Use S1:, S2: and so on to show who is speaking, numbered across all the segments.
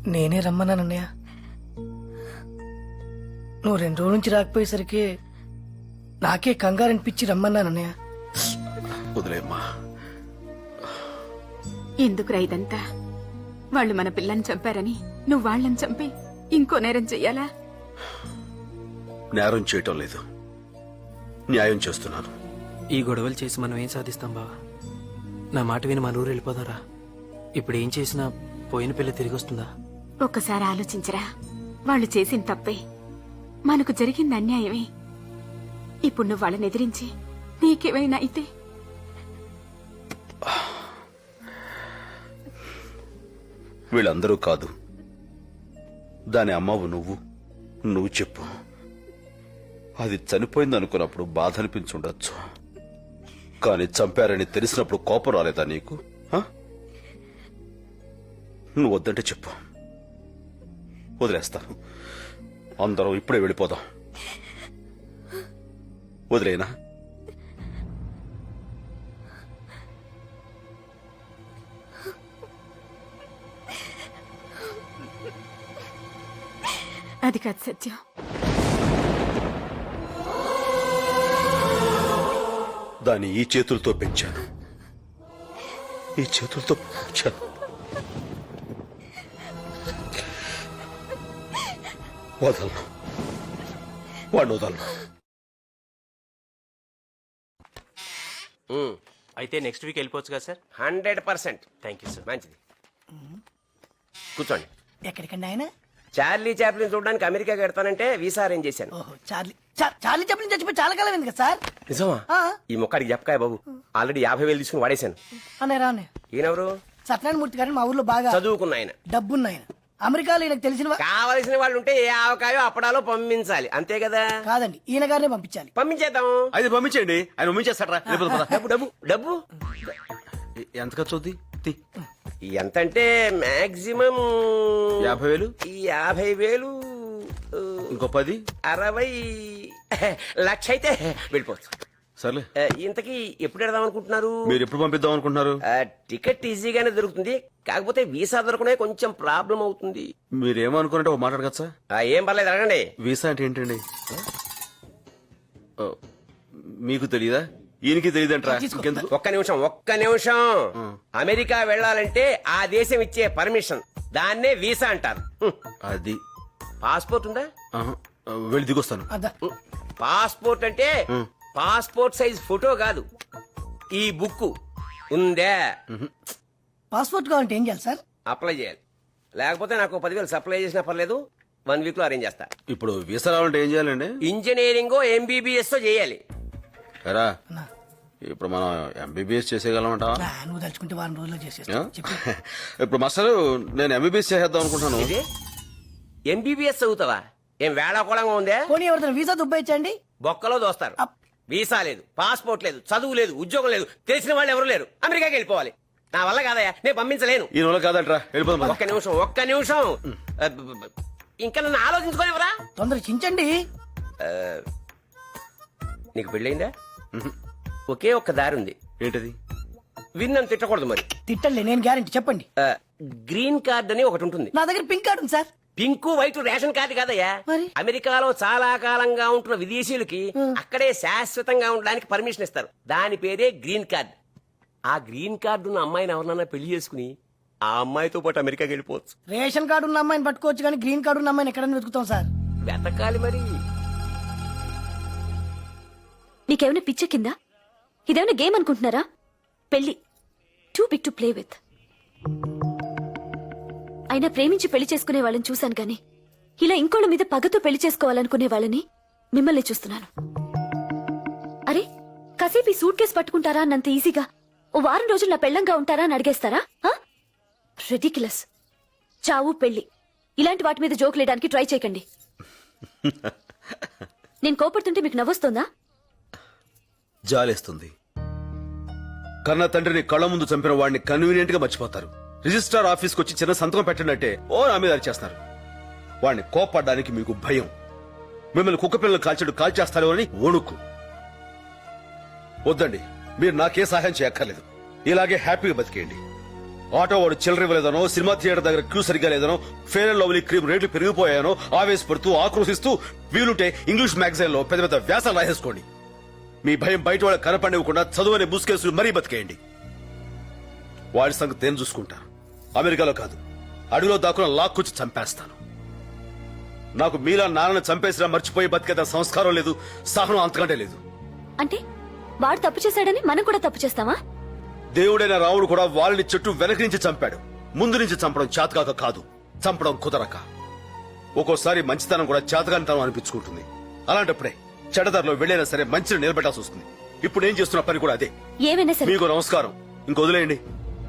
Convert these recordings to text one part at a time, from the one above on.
S1: నేనే రమ్మన్నానన్నయ్య. నువ్వు 2 రోజుల నుంచి రాకపోయేసరికి నాకే కంగారు అనిపించి రమ్మన్నానన్నయ్య.
S2: వదిలేమ్మా.
S3: ఎందుకురా ఇదంతా? వాళ్ళు మన పిల్లని చంపారని నువ్వు వాళ్ళని చంపి ఇంకో నేరం చెయ్యాలా?
S2: నేరం చేయటం లేదు, న్యాయం చేస్తున్నాను.
S4: ఈ గొడవలు చేసి మనం ఏం సాధిస్తాం బావా? నా మాట విని మన ఊరు వెళ్ళిపోదారా? ఇప్పుడు ఏం చేసినా పోయిన పిల్ల తిరిగి వస్తుందా?
S3: ఒక్కసారి ఆలోచించరా. వాళ్ళు చేసిన తప్పే, మనకు జరిగింది అన్యాయమే. ఇప్పుడు నువ్వు వాళ్ళని ఎదిరించి నీకేమైనా అయితే
S2: వీళ్ళందరూ కాదు, దాని అమ్మవు నువ్వు చెప్పు. అది చనిపోయింది అనుకున్నప్పుడు బాధ అనిపించుండొచ్చు, కానీ చంపారని తెలిసినప్పుడు కోపం రాలేదా నీకు? నువ్వు వద్దంటే చెప్పు, వదిలేస్తాను. అందరం ఇప్పుడే వెళ్ళిపోదాం. వదిలేనా?
S3: అది కాదు సత్యం.
S2: దాన్ని ఈ చేతులతో పెంచాను, ఈ చేతులతో పెంచాను. వదలను, వాడిని వదలను.
S4: అయితే నెక్స్ట్ వీక్ వెళ్ళిపోవచ్చు కదా సార్?
S5: 100%.
S4: Thank you sir.
S5: మంచిది, కూర్చోండి.
S1: ఎక్కడికండి ఆయన?
S5: చార్లీ చాప్లిన్ చూడడానికి అమెరికా కడతానంటే వీసా అరేంజ్ చేశాను.
S1: ఓహో, చార్లీ చాప్లిన్ చచ్చిపోయి చాలా కాలం అయింది కదా సార్?
S5: నిజమా?
S1: ఆ.
S5: ఈ మొక్కడికి చెప్పకాయ బాబు, ఆల్రెడీ 50,000 తీసుకుని వాడేశాను.
S1: అన్నయ్య రా అన్నయ్య.
S5: ఈయనెవరు?
S1: సత్యనారాయణ మూర్తి గారిని మా ఊర్లో బాగా
S5: చదువుకున్న ఆయన,
S1: డబ్బున్న ఆయన. అమెరికాలో ఈయనకు తెలిసిన
S5: కావలసిన వాళ్ళు ఉంటే ఏ ఆవకాయో అప్పడాలో పంపించాలి, అంతే కదా?
S1: కాదండి, ఈయన గారినే పంపించాలి.
S5: పంపించేద్దాం.
S2: అయితే పంపించండి, ఆయన పంపించేస్తారా?
S5: డబ్బు డబ్బు డబ్బు
S2: ఎంత ఖర్చు అవుద్ది?
S5: ఎంతంటే మాక్సిమం
S2: 50,000.
S5: ఈ 50,000
S2: ఇంకో 10,
S5: 60 లక్ష అయితే వెళ్ళిపోవచ్చు.
S2: సర్లే.
S5: ఇంతకీ ఎప్పుడు వెడదాం అనుకుంటున్నారు?
S2: మీరు ఎప్పుడు పంపిద్దాం అనుకుంటున్నారు?
S5: టికెట్ ఈజీగానే దొరుకుతుంది, కాకపోతే వీసా దొరకనే కొంచెం ప్రాబ్లం అవుతుంది.
S2: మీరేమనుకున్నట్టు ఒక మాట్లాడగచ్చా?
S5: ఏం పర్లేదు, అడగండి.
S2: వీసా అంటే ఏంటండి? మీకు తెలియదా? ఈయనకి తెలియదంటారా?
S5: ఒక్క నిమిషం. అమెరికా వెళ్ళాలంటే ఆ దేశం ఇచ్చే పర్మిషన్, దాన్నే వీసా అంటారు.
S2: అది
S5: పాస్పోర్ట్ ఉందా?
S2: వెళ్ళి దిగొస్తాను.
S5: పాస్పోర్ట్ అంటే పాస్పోర్ట్ సైజ్ ఫోటో కాదు, ఈ బుక్ ఉందే.
S1: పాస్పోర్ట్ కావాలంటే ఏం చేయాలి సార్?
S5: అప్లై చేయాలి, లేకపోతే నాకు 10,000 సప్లై చేసినా పర్లేదు, 1 వీక్ లో అరేంజ్ చేస్తా.
S2: ఇప్పుడు వీసా రావాలంటే ఏం చేయాలండి?
S5: ఇంజనీరింగ్ MBBS చేయాలి.
S2: ఎరా, ఇప్పుడు మనం MBBS చేసేయగలమంటా?
S1: నువ్వు తలుచుకుంటే 1 రోజుల్లో చేసేస్తా.
S2: ఇప్పుడు మాస్టర్, నేను MBBS చేసేద్దాం అనుకుంటాను.
S5: MBBS చదువుతావా? ఏం వేళాకోళంగా ఉందే?
S1: పోనీ ఎవరితో వీసా దుబ్బాయించండి.
S5: బొక్కలో దోస్తారు. వీసా లేదు, పాస్పోర్ట్ లేదు, చదువు లేదు, ఉద్యోగం లేదు, తెలిసిన వాళ్ళు ఎవరు లేరు, అమెరికాకి వెళ్ళిపోవాలి. నా వల్ల కాదయ్యా, నేను పంపించలేను.
S2: ఈ నెల కాదంటరా, వెళ్ళిపోదాం.
S5: ఒక్క నిమిషం ఇంకా నన్ను ఆలోచించుకోనివరా?
S1: తొందర చించండి.
S5: నీకు పెళ్ళయిందా? ఒకే ఒక్క దారి ఉంది.
S2: ఏంటది?
S5: విన్నను తిట్టకూడదు. మరి
S1: తిట్టండి, నేను గ్యారెంటీ. చెప్పండి.
S5: గ్రీన్ కార్డ్ అని ఒకటి ఉంటుంది.
S1: నా దగ్గర పింక్ కార్డు ఉంది sir.
S5: Pink white ration card కాదయ్యా. అమెరికాలో చాలా కాలంగా ఉంటున్న విదేశీయులకి అక్కడే శాశ్వతంగా ఉండడానికి పర్మిషన్ ఇస్తారు, దాని పేరే గ్రీన్ కార్డ్. ఆ గ్రీన్ కార్డు ఉన్న అమ్మాయిని ఎవరినన్నా పెళ్లి చేసుకుని ఆ అమ్మాయితో పాటు అమెరికాకి వెళ్ళిపోవచ్చు.
S1: రేషన్ కార్డు ఉన్న అమ్మాయిని పట్టుకోవచ్చు, కానీ గ్రీన్ కార్డు ఉన్న అమ్మాయిని ఎక్కడైనా వెతుకుతాం సార్.
S5: వెతకాలి మరి.
S6: నీకేమైనా పిచ్చ కింద? ఇదేమైనా గేమ్ అనుకుంటున్నారా? పెళ్లి too big to play with. అయినా ప్రేమించి పెళ్లి చేసుకునే వాళ్ళని చూశాను గాని ఇలా ఇంకోళ్ళ మీద పగతో పెళ్లి చేసుకోవాలనుకునే వాళ్ళని మిమ్మల్ని చూస్తున్నాను. అరే, కాసేపు ఈ సూట్ కేసు పట్టుకుంటారా అన్నంత ఈజీగా ఓ వారం రోజులు నా పెళ్ళంగా ఉంటారా అని అడిగేస్తారా? రెడిక్యులస్. చావు, పెళ్లి, ఇలాంటి వాటి మీద జోక్ లేయడానికి ట్రై చేయకండి. నేను కోపడుతుంటే మీకు నవ్వొస్తోందా?
S2: జాలేస్తుంది. కన్న తండ్రిని కళ్ళ ముందు చంపిన వాడిని కన్వీనియంట్ గా మర్చిపోతారు. రిజిస్ట్రార్ ఆఫీస్కి వచ్చి చిన్న సంతకం పెట్టినట్టే ఓ నా మీద అరిచేస్తారు. వాడిని కోపడ్డానికి మీకు భయం. మిమ్మల్ని కుక్క పిల్లలు కాల్చేస్తారో అని వణుకు. వద్దండి, మీరు నాకే సహాయం చేయక్కర్లేదు. ఇలాగే హ్యాపీగా బతికేయండి. ఆటో వాడు చిల్లర ఇవ్వలేదనో, సినిమా థియేటర్ దగ్గర క్యూ సరిగ్గా లేదనో, ఫేర్ అండ్ లవ్లీ క్రీమ్ రేట్లు పెరిగిపోయానో ఆవేశపడుతూ ఆక్రోశిస్తూ వీలుంటే ఇంగ్లీష్ మ్యాగజైన్ లో పెద్ద పెద్ద వ్యాసాలు రాసేసుకోండి. మీ భయం బయట వాళ్ళకి కనపడివ్వకుండా చదువునే ముసుకేసులు మరీ బతికేయండి. వాడి సంగతి నేను చూసుకుంటా. అమెరికాలో కాదు, అడవిలో దాక్కున లాక్కొచ్చి చంపేస్తాను. నాకు మీలా నాన్నని చంపేసినా మర్చిపోయి బతికేత సంస్కారం లేదు, సహనం అంతకంటే లేదు.
S6: అంటే వాడు తప్పు చేశాడని మనం కూడా తప్పు చేస్తామా?
S2: దేవుడైన రాముడు కూడా వాళ్ళని చెట్టు వెనక నుంచి చంపాడు. ముందు నుంచి చంపడం చేతకాక కాదు, చంపడం కుదరక. ఒక్కోసారి మంచితనం కూడా చేతకానితనం అనిపించుకుంటుంది. అలాంటప్పుడే చెడదారిలో వెళ్ళైనా సరే మంచిని నిలబెట్టాల్సి వస్తుంది. ఇప్పుడు నేను చేస్తున్న పని కూడా అదే.
S6: ఏమైనా సరే
S2: మీకు నమస్కారం, ఇంకొదిలేయండి.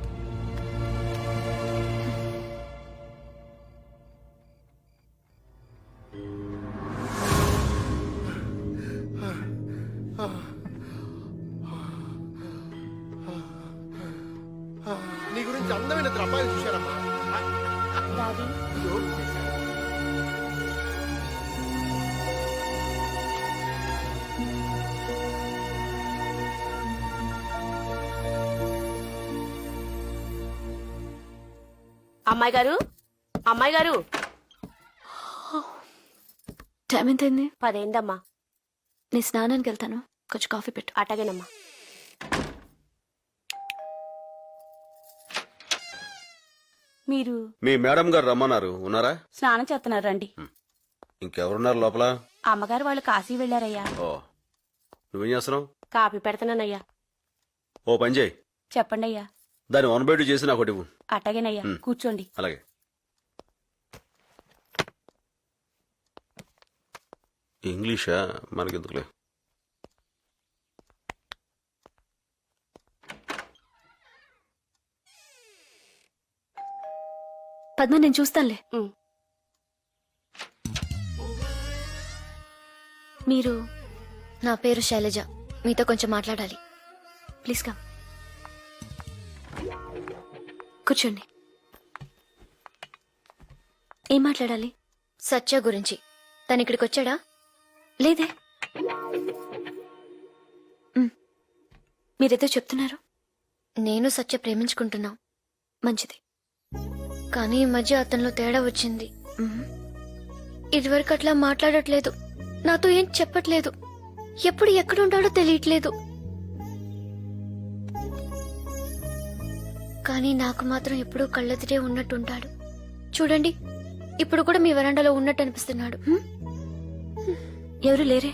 S7: నీ గురించి అందమైన అబ్బాయిలు చూశారమ్మా.
S8: అమ్మాయి గారు, అమ్మాయి గారు,
S6: టైం ఎంతైంది?
S8: 10 అయిందమ్మా.
S6: నేను స్నానానికి వెళ్తాను, కొంచెం కాఫీ పెట్టు.
S8: అటగేనమ్మా. మీరు
S2: మీ మేడం గారు రమ్మన్నారు, ఉన్నారా?
S8: స్నానం చేస్తున్నారు రండి.
S2: ఇంకెవరున్నారు లోపల?
S8: అమ్మగారు వాళ్ళు కాశీ వెళ్ళారయ్యా.
S2: ఓ, నువ్వేం చేస్తున్నావు?
S8: కాఫీ పెడతానయ్యా.
S2: ఓ పని చేయి,
S8: చెప్పండి అయ్యా.
S2: దాన్ని 1/2 చేసి నాకు ఒకటి ఇవ్వు.
S8: అటగేనయ్యా, కూర్చోండి.
S2: అలాగే. ఇంగ్లీషా మనకెందుకులే.
S6: పద్మ, నేను చూస్తానులే.
S8: ఉమ్.
S6: మీరు?
S9: నా పేరు శైలజ, మీతో కొంచెం మాట్లాడాలి.
S6: Please come. కూర్చోండి. ఏం మాట్లాడాలి?
S9: సత్య గురించి. తను ఇక్కడికి వచ్చాడా?
S6: లేదే. మీరేదో చెప్తున్నారు.
S9: నేను సత్య ప్రేమించుకుంటున్నాం.
S6: మంచిది.
S9: కానీ ఈ మధ్య అతనిలో తేడా వచ్చింది. ఇదివరకు అట్లా మాట్లాడట్లేదు, నాతో ఏం చెప్పట్లేదు, ఎప్పుడు ఎక్కడుంటాడో తెలియట్లేదు. కానీ నాకు మాత్రం ఎప్పుడూ కళ్ళెదిరే ఉన్నట్టుంటాడు. చూడండి, ఇప్పుడు కూడా మీ వరండాలో ఉన్నట్టు అనిపిస్తున్నాడు.
S6: ఎవరు లేరే?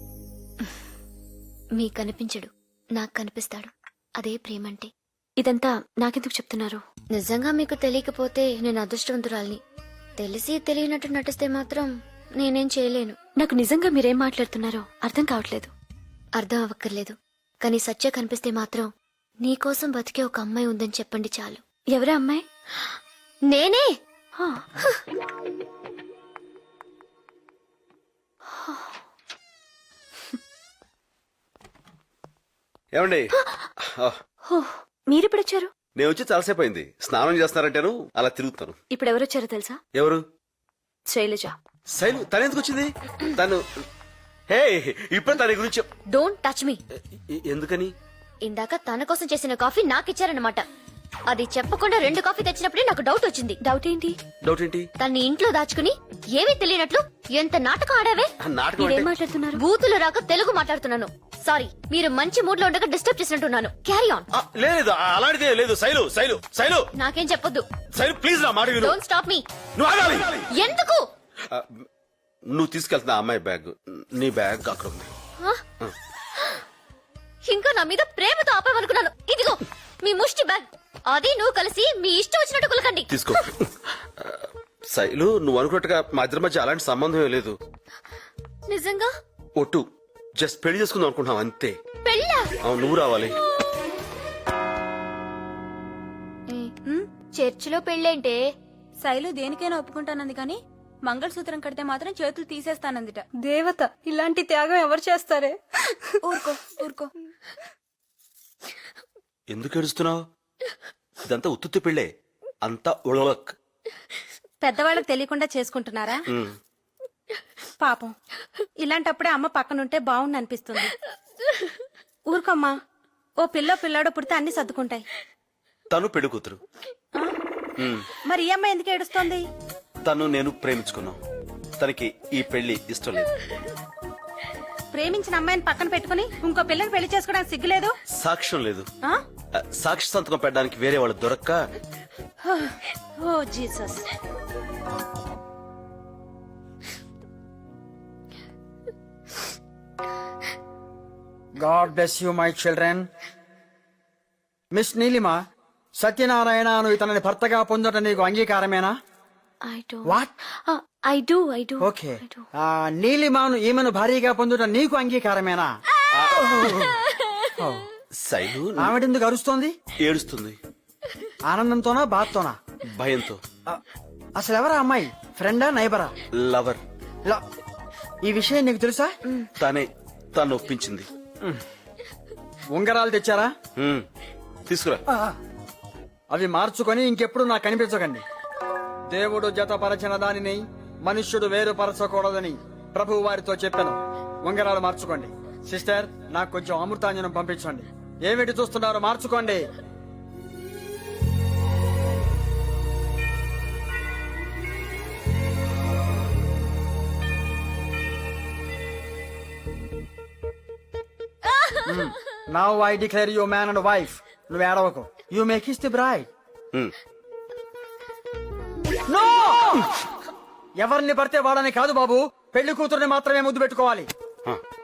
S9: మీకు కనిపించడు, నాకు కనిపిస్తాడు. అదే ప్రేమంటే.
S6: ఇదంతా నాకెందుకు చెప్తున్నారు?
S9: నిజంగా మీకు తెలియకపోతే నేను అదృష్టవంతురాల్ని. తెలిసి తెలియనట్టు నటిస్తే మాత్రం నేనేం చేయలేను.
S6: నాకు నిజంగా మీరేం మాట్లాడుతున్నారో అర్థం కావట్లేదు.
S9: అర్థం అవ్వక్కర్లేదు, కానీ సత్య కనిపిస్తే మాత్రం నీకోసం బతికే ఒక అమ్మాయి ఉందని చెప్పండి చాలు.
S6: ఎవరా అమ్మాయి?
S9: నేనే.
S6: హా.
S2: ఏమండి,
S6: హో, మీరెప్పుడొచ్చారు?
S2: నేను వచ్చి చాలాసేపు అయింది. స్నానం చేస్తున్నారంటాను, అలా తిరుగుతాను.
S6: ఇప్పుడు ఎవరొచ్చారో తెలుసా?
S2: ఎవరు?
S6: శైలజ.
S2: శైలు? తను ఎందుకు వచ్చింది? తను హే, ఇప్పుడు తన గురించి
S9: డోంట్ టచ్ మీ.
S2: ఎందుకని?
S9: ఇందాక తన కోసం చేసిన కాఫీ నాకిచ్చారన్నమాట. అది చెప్పకుండా 2 కాఫీ తెచ్చినప్పుడే నాకు డౌట్ వచ్చింది.
S6: డౌట్ ఏంటి?
S2: డౌట్ ఏంటి?
S9: తన్ని ఇంట్లో దాచుకుని ఏమీ తెలియనట్లు ఎంత నాటకం ఆడావే.
S2: ఆ నాటకం
S6: మీరేం
S2: అంటే
S6: మాట్లాడుతున్నారు?
S9: బూతులు రాక తెలుగు మాట్లాడుతున్నాను. సారీ, మీరు మంచి మూడ్ లో ఉండగా డిస్టర్బ్ చేసినట్టున్నాను. Carry on.
S2: లేదు, అలాంటిదే లేదు. శైలు, శైలు, శైలు,
S9: నాకేం చెప్పొద్దు.
S2: శైలు ప్లీజ్, నా మాట విను.
S9: Don't stop me.
S2: నువ్వు ఆగాలి.
S9: ఎందుకు?
S2: ఆ, నువ్వు తీసుకెళ్తున్నా అమ్మాయి బ్యాగ్, నీ బ్యాగ్ అక్కడ ఉంది.
S9: ఇంకా నా మీద ప్రేమతో ఆపామనుకున్నాను. ఇదిగో మీ ముష్టి బ్యాగ్. అది నువ్వు కలిసి మీ ఇష్టం వచ్చినట్టు కులకండి.
S2: తీసుకో. శైలు, నువ్వు అనుకున్నట్టుగా మా ఇద్దరి మధ్య అలాంటి సంబంధం ఏం లేదు.
S9: నిజంగా?
S2: ఒట్టు, జస్ట్ పెళ్లి చేసుకుందాం అనుకుంటున్నాం అంతే.
S9: పెళ్ళా?
S2: అవును, నువ్వు రావాలి.
S9: చర్చిలో పెళ్ళేంటే?
S10: శైలు దేనికైనా ఒప్పుకుంటానంది కానీ మంగళసూత్రం కడితే మాత్రం చేతులు తీసేస్తానందిట. దేవత, ఇలాంటి త్యాగం ఎవరు చేస్తారే? ఊరుకో ఊరుకో.
S2: ఎందుకు ఏడుస్తున్నావు? ఇదంతా ఉత్తుత్తి పెళ్ళే, అంతా ఉళలక్.
S10: పెద్దవాళ్ళకి తెలియకుండా చేసుకుంటున్నారా? పాపం, ఇలాంటప్పుడే అమ్మ పక్కనుంటే బాగుండి అనిపిస్తుంది. ఊరుకోమ్మా, ఓ పిల్లాడో పుడితే అన్ని సర్దుకుంటాయి.
S2: తను పెళ్లి కూతురు.
S10: మరి ఈ అమ్మాయి ఎందుకు ఏడుస్తోంది?
S2: తను నేను ప్రేమించుకున్నాం. తనకి ఈ పెళ్లి ఇష్టం లేదు.
S10: ప్రేమించిన అమ్మాయిని పక్కన పెట్టుకుని ఇంకో పిల్లని పెళ్లి చేసుకోవడానికి సిగ్గులేదు?
S2: సాక్ష్యం లేదు.
S10: ఆ?
S2: సాక్షి సంతకం పెట్టడానికి వేరే వాళ్ళు దొరక్క
S10: oh Jesus.
S11: God bless you my children. Miss Neelima, సత్యనారాయణను ఇతనిని భర్తగా పొందటం నీకు అంగీకారమేనా?
S9: I do
S11: what?
S9: I do
S11: okay. నీలిమాను ఈమెను భారీగా పొందటం నీకు అంగీకారమేనా?
S2: శైలు
S11: ఆమెడెందుకు అరుస్తోంది?
S2: ఏడుస్తుంది.
S11: ఆనందంతోనా బాధతోనా?
S2: భయంతో.
S11: అసలు ఎవరా అమ్మాయి? ఫ్రెండా నైబరా?
S2: లవర్.
S11: ఈ విషయం నీకు తెలుసా?
S2: తను ఒప్పించింది.
S11: ఉంగరాలు తెచ్చారా?
S2: తీసుకురా.
S11: అవి మార్చుకొని ఇంకెప్పుడు నాకు కనిపించకండి. దేవుడు జతపరచిన దానిని మనుష్యుడు వేరుపరచకూడదని ప్రభు వారితో చెప్పాను. ఉంగరాలు మార్చుకోండి. సిస్టర్, నాకు కొంచెం అమృతాంజనం పంపించండి. ఏమిటి చూస్తున్నారు? మార్చుకోండి. Now I declare you man and wife. నువ్వు ఏడవకు. You may kiss the bride. No! ఎవరిని పడితే వాడని కాదు బాబు, పెళ్లి కూతుర్ని మాత్రమే ముద్దు పెట్టుకోవాలి.